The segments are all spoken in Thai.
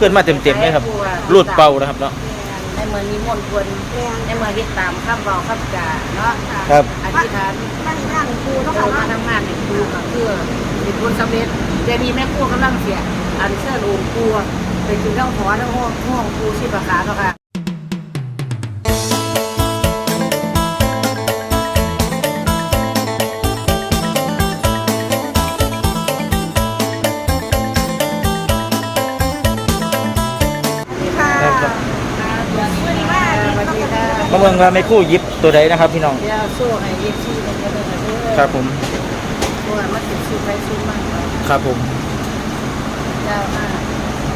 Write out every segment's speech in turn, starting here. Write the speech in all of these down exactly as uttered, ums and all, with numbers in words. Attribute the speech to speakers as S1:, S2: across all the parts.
S1: ขึ้นมาเต็มๆเลยครับรูดเป่านะครับเนาะ
S2: ในเมืองนิมนต์ควรในเมืองที่ตามข้ามเบาข้ามจ่าเนาะ
S1: ครับ
S2: อธิษฐาน
S3: มาทำงานครูเนาะค่ะ
S2: มาทำงานในครูก็เพื่อเป็นคนสำเร็จเดี๋ยวนี้แม่ครูกำลังเสียอันเชิญองค์ครูไปถึงทั้งหอทั้งห้องห้องครูชีพขาเนาะค่ะ
S1: มาเมืองว่าไม่คู่ยิบตัวใดนะครับพี่น้อง
S2: สู้ให้ยิบซี่มันจะได้
S1: ครับผม
S2: ตัวมันติดซื้อไปซื้อมาก
S1: ครับผม
S2: ยาวมาก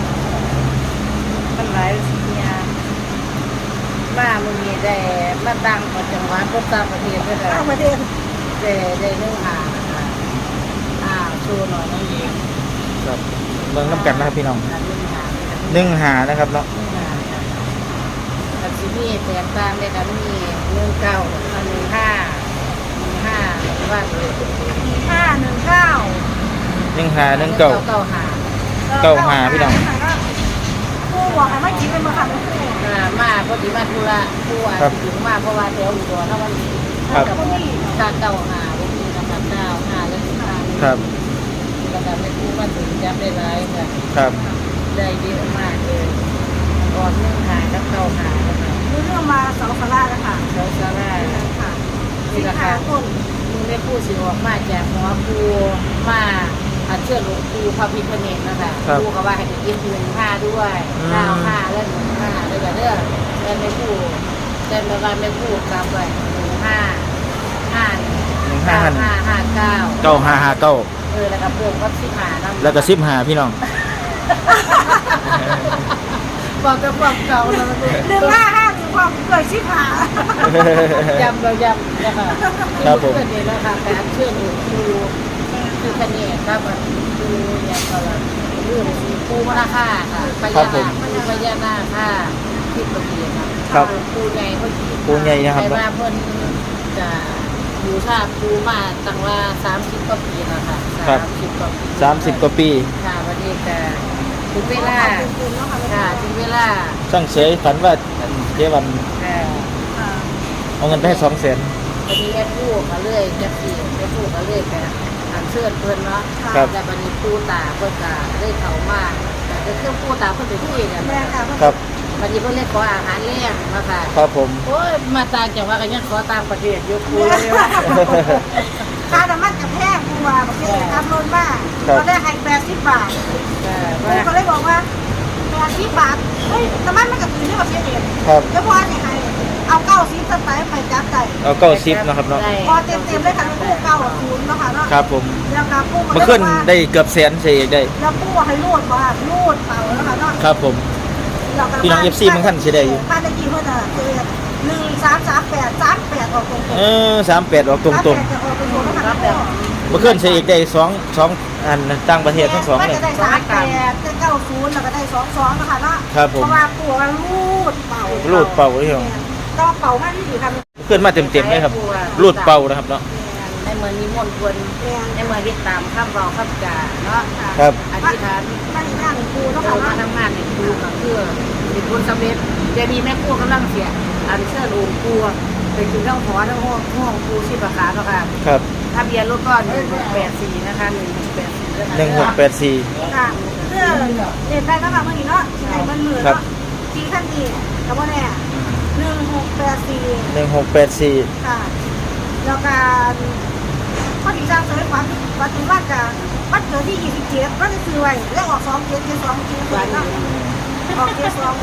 S2: มันหลายสิ่งอย่างมามึงมีได้มาดังของจังหวัดก็ต่างประเทศด้วยกัน
S3: ต่างประเทศ
S2: ได้ได้เนื้อหาอ่าชูหน่อยน้องยิง
S1: ครับเมืองน้ำกันนะครับพี่น้องหนึ่งหานะครับเนาะ
S2: กับที่นี่แตกต่างเลยกันมีหนึ่งเก้าอันหนึ่งห้าหนึ่งห้าว่าเลย
S3: ห้าหนึ่งเก้า
S1: หนึ่งหาหนึ่งเก้า
S2: เก้าหา
S1: เก้าหาพี่น้อง
S3: ผู้บอกให้ไม่กินเป็นมาค่ะ
S2: มาพอดีมาธุระผู้อ่ะถึงมาเพราะว่าแถวอุดรถ้าวันนี้
S1: ครับ
S2: ถ้าเก้าหาวันนี้นะคะเก้าห้าแล้วสิบห้า
S1: ครับ
S2: แล้วก็ไม่พูดว่าถึงจำได้หลายค่ะ
S1: ครับ
S2: ได้เยอะมากเลยก่อนหนึ่งหาแล้วเก้าหาแล้วค่ะ
S3: เรื่องมาเสาสลาแล้วค่ะ
S2: เสาสลา
S3: ค่ะ
S2: นี่ราคาต้นมึงได้พูดสิออกมาจากหัวครูมาอันเชื่อหลวงครูพระพิฆเนศนะคะครูก็ว่าให้ไปยิบหนึ่งห้าด้วยเก้าห้าและหนึ่งห้าเลยแบบเด้อแต่ไม่พูดแต่ไม่ว่าไม่พูดตามไปหนึ่งห้าห้าหนึ่งห้าห้าห้าเก้า
S1: เก้าห้าห้าเก้า
S2: เออแล้วก็เพิ่มก็สิบห้า
S1: แล้วก็สิบห้าพี่น้อง
S2: บอกกับความเก่าแล้ว
S3: หนึ่งห้าห้าถึงความเกิดชิบหาย
S2: ย้ำเราย้ำนะคะ
S1: ครับผม
S2: เพื่อนนี่นะคะการเชื่อหนูครูคือคะแนนครับครูอย่างก็ละเรื่องครูมาค่าค่ะพญานาคครูพญานาคค่ะที่ประเทศครับครูใหญ่เขา
S1: ครูใหญ่นะครับ
S2: แต่ว่าเพิ่นจะอยู่ชาครูมาตั้งว่าสามสิบกว่าปีนะคะสามสิบกว่าปี
S1: สามสิบกว่าปี
S2: ค่ะวันนี้แต่ถึงเวลาค่ะถึงเวลา
S1: ช่างเฉยฝันว่าเดี๋ยววันเอาเงินไปให้สองแสน
S2: วันนี้แอดพูดมาเรื่อยจะปีแอดพูดมาเรื่อยแต่อันเชื่อเพื่อนเนาะแต่วันนี้ปูตาเพื่อนก็ได้เขามากแต่จะเครื่องปูตาเพื่อนเป็นที่เนี่ย
S1: ครับ
S2: วันนี้เพื่อนเรียกขออาหารเลี้ยงมาค่ะ
S1: ครับผม
S2: โอ้ยมาต่างจังหวัดกันยังขอต่างประเทศยกปูเลย
S3: ค่าน้ำมันกับแพงปูว่าประเทศทำล้นมากเราได้ให้แปดสิบบาทปูก็เลยบอกว่าแปดสิบบาทเฮ้ยน้ำมันมันกับอื่นที่ประเทศเองแล้วพอเนี่ยให้เอาเก้าสิบสไปไปจับใจ
S1: เอาเก้าสิบนะครับเนาะ
S3: พอเต็มเต็มเลยค่ะปูเก้าศูนย์เนาะค่ะเนาะ
S1: ครับผม
S3: แล้วก็ปู
S1: มาขึ้นได้เกือบแสนเสียได้
S3: แล้วปูให้รูดว่ารูดเป่าแล้วค่ะเนาะ
S1: ครับผมพี่น้องเอฟซีมันขั้นเสียได้อยู่
S3: บ้านตะกี้เพื่อนอะเจอหนึ่งสามสามแปดสามแปดออกตรง
S1: เออสามแปดออกตรงตรงมาขึ้นเสียอีกได้สองสองอันต่างประเทศทั้งสองเลย
S3: ได้สามแปดได้เก้าศูนย์แล้วก็ได้สองสองนะคะเนาะ
S1: ครับผม
S3: เพราะว่าปูรูดเป่า
S1: รูดเป่าที่
S3: ต้องเป่ามากที่สุดครับ
S1: ขึ้นมาเต็มๆเลยครับรูดเป่านะครับเนาะ
S2: ในเมืองนิมนต์ควรในเมืองที่ตามข้ามเบาข้ามจ่าเนาะ
S1: ครับ
S2: อธิษฐาน
S3: มาทำงานครูเนาะค่ะ
S2: มาทำงานในครูก็เพื่อเป็นคนสำเร็จเดี๋ยวนี้แม่ครูกำลังเสียอันเชิญองค์ครูไปถึงทั้งหอทั้งห้องห้องครูชีพขาเนาะค่ะ
S1: ครับ
S2: ทะเบียนรถก็หนึ่งหกแปดสี่นะคะหนึ่งหกแปดสี่
S1: หนึ่งหกแปดสี่
S3: ค่ะเพื่อเด็ดได้ก็แบบเมื่อกี้เนาะในมันมือเนาะชี้ขั้นดีกับว่าแน่หนึ่งหกแปดสี่
S1: หนึ่งหกแปดสี่
S3: ค่ะแล้วการข้อที่สามเสริมความปฏิวัติกับวัดเกิดที่ยี่สิบเจ็ดวัดที่ซื้อไว้แล้วออกสองเจ็ดเจ็ดสองเจ็ดสองออกเจ็ดสอง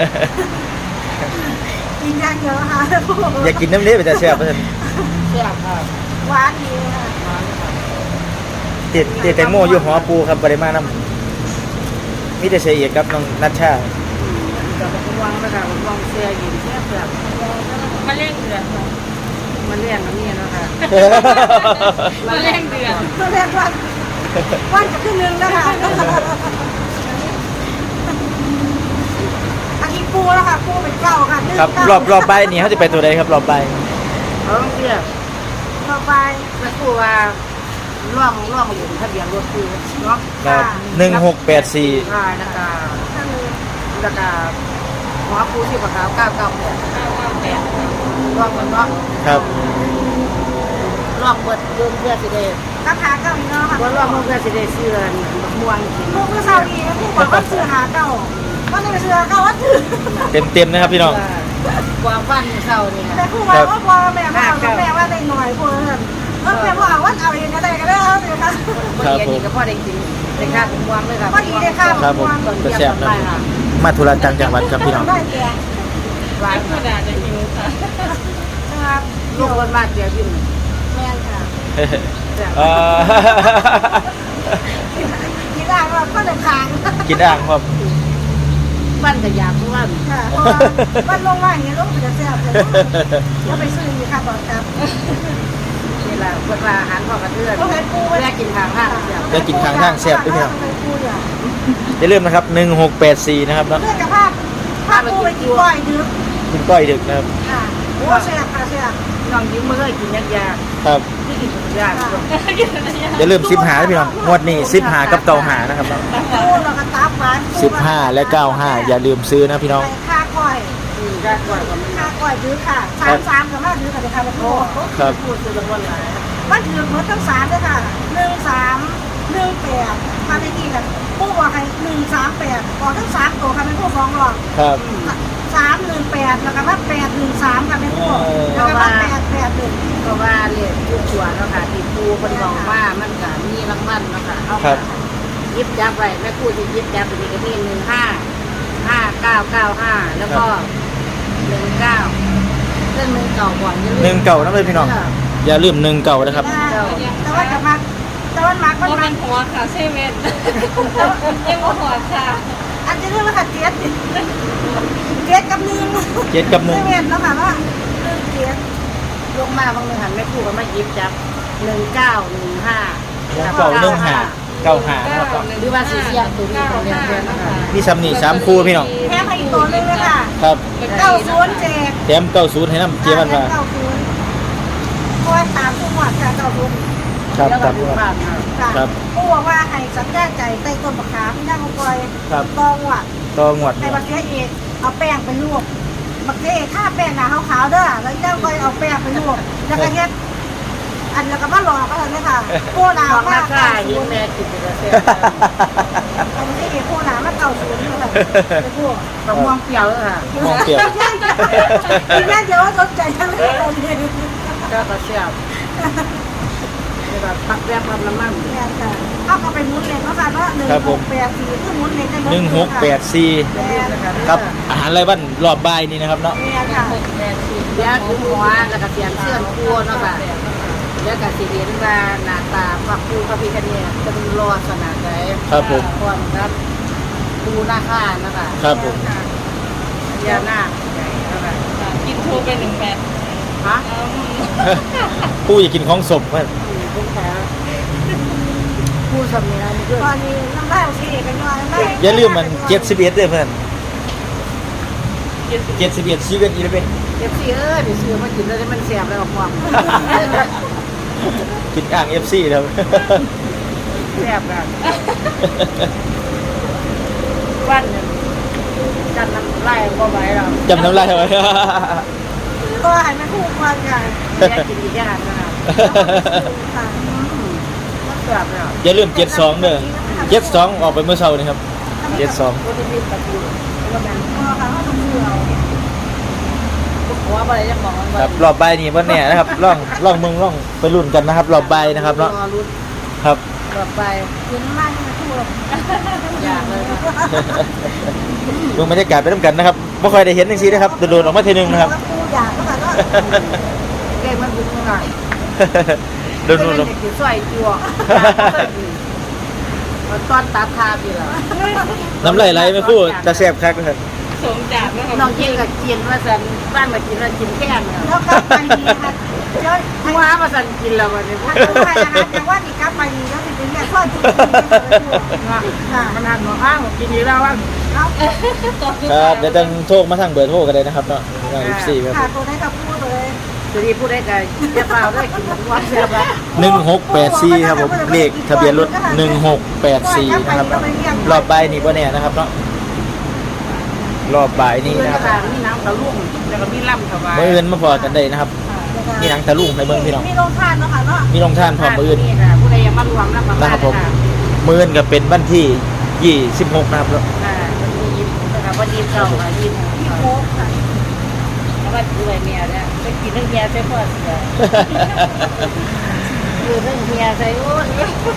S3: กินยากเยอะค่ะ
S1: อยากกินน้ำเลี้ยไปแต่แซ่บเพื่อน
S2: แซ่บค่ะ
S3: หวานดีค่ะ
S1: ติดติดแตงโมอยู่หอปูครับปริมาณน้ำมิแต่เสียเอกครับน้องนัชชา
S2: กับผมวางนะคะผมวางเสียหญิงแซ่บแบบมาเลี้ยงเดือนมาเลี้ยงกับนี่นะคะมาเลี้ยงเดือน
S3: มาเลี้ยงวันวันจะขึ้นหนึ่งนะคะอันนี้ปูแล้วค่ะปูเป็นเก้าค่ะ
S1: ครับรอบรอบใบนี่เขาจะไปตัวใดครับรอบใบ
S2: เขาต้องเรียก
S3: รอบใบ
S2: แม่ครูว่าร่องร่องอยู่ทะเบียนรถคือเนาะ
S1: หนึ่งหกแปดสี่
S2: ใช่นะคะแล้วก็หัวปูที่ปากขาวเก้าเก้าแปดเก้าเก้าแปดรอบมันเนาะ
S1: ครับ
S2: รอบเปิดเรื่องเพื่อสิเดช
S3: กระถางเก้าอีกเนาะค่ะ
S2: ว่ารอบเพื่อสิเดชเสื้อม่วงกิน
S3: พวกผู้สาวดีผู้บอกว่าซื้อหาเก้าว่าในซื้อเก้าว่าถือ
S1: เต็มเต็มๆนะครับพี่น้อง
S2: กวางฟันเศร้าเนี่ย
S3: แต่ผู้ว่าว่าพอแม่ว่าแม่ว่าได้หน่อยพวกนั้นเออแม่ว่าเอาว่าเอาเองก็ได้ก็ได้เอาเลยค่ะ
S2: พอดีนี่ก็พอได้กินได้ค่าถึงวางเลยค่ะ
S3: พอดีเลยค่ะ
S1: ครับผมกระแซบนะมาธุระจังจังหวัดครับพี่น้อง
S3: ได้แก่
S2: วาง
S4: กระดาษจะหิวค่ะ
S3: นะครับ
S2: ลูกคนมากเดียวยิ่ง
S3: แม่ค่ะ
S1: เอ่อ
S3: กินได้ว่าก็เลยค้าง
S1: กินอ่างครับ
S2: บ้านก็อยากบ้าน
S3: ค่ะเพราะว่ามันลงมาอย่างนี้ลงจะแซ่บเลยแล้วไปซื้อค่ะบอกครับ
S2: นี่แหละคนว่าอาหารพ่อกระเทือน
S3: ก็ให้ปู
S2: แม่กินทางห้างเสีย
S1: ได้กินข้างทางแซ่บด้วยพี่น้อง
S3: ปูเนี่ย
S1: อย่าลืมนะครับหนึ่งหกแปดสี่นะครับเนาะ
S3: เพื่อนกับภาพภาพปูไปกินก้อยดึก
S1: กินก้อยดึกนะครับ
S3: ค่ะโอ้แซ่บค่ะแซ่บ
S2: น้องยิ้มเมื่อกินยากยาก
S1: ครับ
S2: ที่กินยาก
S1: อย่าลืมสิบหาพี่น้องงวดนี้สิบหากับเก้าหานะครับเนาะ
S3: ปูแล้วก็ตับหวาน
S1: สิบห้าและเก้าห้าอย่าลืมซื้อนะพี่น้อง
S3: ค่าก้อย
S2: กินยากกว่าก็ไม่
S3: ค่าก้อยดึกค่ะสามสามกับมาดึกกับเด็กค่ะปู
S1: ครับ
S2: พูดคือละคนหลาย
S3: มันถือเหมือนทั้งสามเลยค่ะหนึ่งสามหนึ่งแปดมาในที่กันปูบอกให้หนึ่งสามแปดขอทั้งสามตัวค่ะเป็นผู้ฟ้องหรอก
S1: ครับ
S3: สามหนึ่งแปดแล้วก็มาแปดหนึ่งสามค่ะเป็นผู้แล้วก็มาแปดแปดหนึ่ง
S2: เพราะว่าเรียกทุกตัวเนาะค่ะที่ปูคนบอกว่ามันก็มีรางวัลเนาะค่ะเอาค่ะยิบจับไว้แม่พูดที่ยิบจับตัวนี้ก็มีหนึ่งห้าห้าเก้าเก้าห้าแล้วก็หนึ่งเก้าเรื่องหนึ่งเก่าก่อนอย่าลืม
S1: หนึ่งเก่านะเลยพี่น้อง อย่าลืมหนึ่งเก่านะครับ
S3: แต่ว่าจะมาแต่ว่ามาก็
S4: ก็
S3: มา
S4: เป็นหัวค่ะเซเว่นยังหัวค่ะ
S3: อันจะเรียกว่าขัดเจ็ดเจ็ดกับหนึ่ง
S1: เจ็ดกับหนึ่ง
S3: ไม่เว้นแล้วค่ะว่าหนึ่งเจ็ด
S2: ลงมาบางเมือหันแม่พูดก็มายิบจับหนึ่งเก้าหนึ่งห้า
S1: หนึ่งเก่าหนึ่งหาเก้าหานะครับ
S2: หรือว่าสีเสียตัวนี้ของเรียนเรียนนะคะ
S1: มีซ้ำนี่สามคู่พี่น้อง
S3: แค่ให้อีกตัวหนึงเลยค่ะ
S1: ครับ
S3: เก้าศูนย์เจ็ด
S1: แถมเก้าศูนย์ให้น้ำเจี๊ยบมันมา
S3: เก้าศูนย์คอยตามผู้หมวดค่ะเก้าศูนย์
S1: ครับ
S2: แล้ว
S1: ค
S2: ก็
S1: รับ
S2: ดูภาพนะ
S3: ค่ะ
S1: ครับ
S3: ผู้บอกว่าให้สัญญาใจใต้ต้นมะขามที่นั่งคอย
S1: ครับ
S3: ตองว่ะ
S1: ต่องวด
S3: ในบักเทียเอกเอาแป้งไปลวกบักเทียเอกถ้าแป้งหนาขาวๆเด้อแล้วเจ้าคอยเอาแป้งไปลวกแล้วก็เฮ็ดอันแล้วก็มาหลอกก็เลยค่ะโค้หนา
S2: ดอก
S3: มา
S2: มาก ค่ายิ้มแม่กินไปแล้วเสีย
S3: เอาบักเทียเอกโค้หนามาเก่าศูนย์เลยไปพวก
S2: มะม่วงเปรี้ยวเลยค่ะ
S1: มองเปรียบ
S3: กินแม่เดี๋ยวว่าสนใจทั้งเรื่องเลย
S2: ก็กระเสียบแบบปักแรกปั๊มน้ำมัน
S3: เนี่ยค่ะเอาเข้าไปหมุนเลยเนาะค่ะเนาะหนึ่งหกแปดสี่คือหมุนเลยได้
S1: หนึ่งหกแปดสี่
S3: แม่ค่ะ
S1: ครับอาหารไรบ้านรอบบ่ายนี่นะครับเนาะ
S3: เนี่ยค่ะ
S2: เดี๋ยวคือหัวแล้วก็เสียงเสื่อมครัวเนาะค่ะเดี๋ยวก็สิเห็นว่าหน้าตาฝักปูพระพิฆเนศเป็นรอสนาใจ
S1: ครับผม
S2: พร้อมครับปูหน้าข้านะคะ
S1: ครับผม
S2: ยาหน้าใหญ่นะคะ
S4: กินทูไปหนึ่งแปด
S2: ฮะ
S1: ผู้อยากกินของสมเพื่อน
S2: ลูกค้าปูสำเนียงนี่คือ
S3: ตอนนี้น้ำลายโอเคกันหน่อยน้ำลาย
S1: อย่าลืมมันเจ็ดสิบเอ็ดด้วยเพื่อนเจ็ดสิบเอ็ดชีวิตอีเลเวน
S2: เอฟซีเอ้ยไปซื้อมากินแล้วมันแสบแล้วก็ความ
S1: กินอ่างเอฟซีแล้ว
S2: แสบแบบวันหนึ่งจันน้ำไล่ก็ไหวแล้ว
S1: จำน้ำลายไว้
S3: ก็หันมาคู่กันค่ะ
S2: แยกกินอีกอย่างนะครับ
S3: ค่ะ
S2: มันแสบแล้ว
S1: อย่าลืมเจ็ดสองเด้อเจ็ดสองออกไปเมื่อเช้านี่ครับเจ็ดสอง
S2: ก็จะมีตะปูแล้วมัน
S3: พอค่ะว่าต้องเชื่อ
S2: หัวอะไรจะบอกมัน
S1: ครับรอบใบายนี่วันเนี่ยนะครับล่องล่องเมืองล่องไปรุ่นกันนะครับ รอบใบายนะครับเนาะ
S2: รอรุ่น
S1: ครับ
S2: รอไป
S3: กินน้ำลายมาคู่
S2: อยากเลยค่ะ
S1: ดูบรรยากาศไปด้วยกันนะครับไม่ค่อยได้เห็นจริงๆนะครับโดนๆออกมาทีนึงนะครับ
S3: คู่อยากก็แบบว่า
S2: เก่งมันบุกหน่อย
S1: โดนๆลง
S2: เด็กสวยจั่วตอนตัดทาพี่เหรอ
S1: น้ำไหลไหลไม่พูดจะแซ่บคักเลย
S4: สมจากนะคะ
S2: น้องเก่งกับกินว่าสันบ้านมากินว่ากินแค่เนี่ย
S3: แล้วกลับไปดีค่ะเจ้า
S2: หัวมาสันกินแล้ววันนี้
S3: ถ้าคู่ใครนะคะแต่ว่านี่กลับไปดีแล้วถึงเนี่ยทอดจุดค่ะ
S2: มันหันหัวข้างกินอยู่แล้วว่า
S3: เอา
S1: ครับเดี๋ยวต้องโทรมาทางเบอร์โทรกันเลยนะครับเนาะทางสี่ครับ
S3: ค่ะตัวได้กับคู่เลย
S2: จะดีพูดได้ไงจะเปล่าได้กินทุกวันเสียบ
S1: หนึ่งหกแปดสี่ครับผมเลขทะเบียนรถหนึ่งหกแปดสี่นะครับรอบใบนี่ว่าเนี่ยนะครับเนาะรอบบ่ายนี้นะครับ
S2: มีน้ำตะลุ่มแล้วก็มีล่ำถวาย
S1: มื้ออื่นมาพอกันได้นะครับมีหนังตะลุงให้เบิ่งพี่น้อง
S3: มีโรงทานเนาะค่ะเนาะ
S1: มีโรงทานพร้อมมื้ออื่น
S2: นี่ค่ะผู้ใดยังมารวมนะประมาณ
S1: นะครับผมมื้ออื่นก็เป็นวันที่ยี่สิบหกนะครับ
S2: ค่ะวันที่ยิ้มนะคะวันที่เก่าค่ะยิ้ม
S3: พี่โค้กค่ะ
S2: แล้วว่าดูไอเมียเนี่ยไปกินเรื่องเมียใช่พ่อเสือคือเรื่องเมียใช่โอ้ย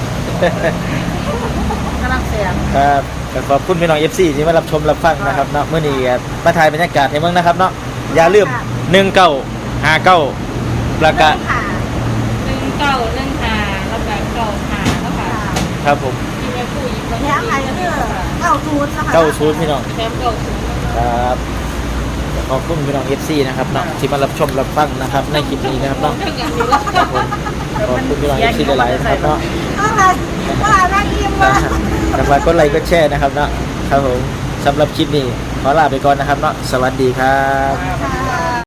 S2: กำลังเสียง
S1: ครับก็ขอบคุณพี่น้อง เอฟ ซี ที่มารับชมรับฟังนะครับเนาะมื้อนี้ก็มาถ่ายบรรยากาศให้เบิ่งนะครับเนาะอย่าลืมหนึ่งเก้าห้าเก้าประกาศ
S3: ค่ะ
S4: หนึ่งเก้าหนึ่งหาแล้วก็เก้าหาแล้วค่ะ
S1: ครับผม
S4: ที่แม่พูดอีกคน
S3: แถมอะไรก็คือเก้าศูนย์นะคะ
S1: เก้าศูนย์พี่น้อง
S4: แถมเก้าศูนย์
S1: ครับขอบคุณพี่น้อง เอฟ ซี นะครับเนาะที่มารับชมรับฟังนะครับในคลิปนี้นะครับเนาะ
S4: เท่ากันอยู่แล้ว
S1: ครับผมขอบคุณพี่น้อง เอฟ ซี หลายๆนะครับเนาะ
S3: เอาล่ะว่าน่าอิ่มว่ะ
S1: แต่ว่ากดไลค์กดแชร์นะครับเนาะครับผมสำหรับคลิปนี้ขอลาไปก่อนนะครับเนาะสวัสดีครับ
S3: ค่ะ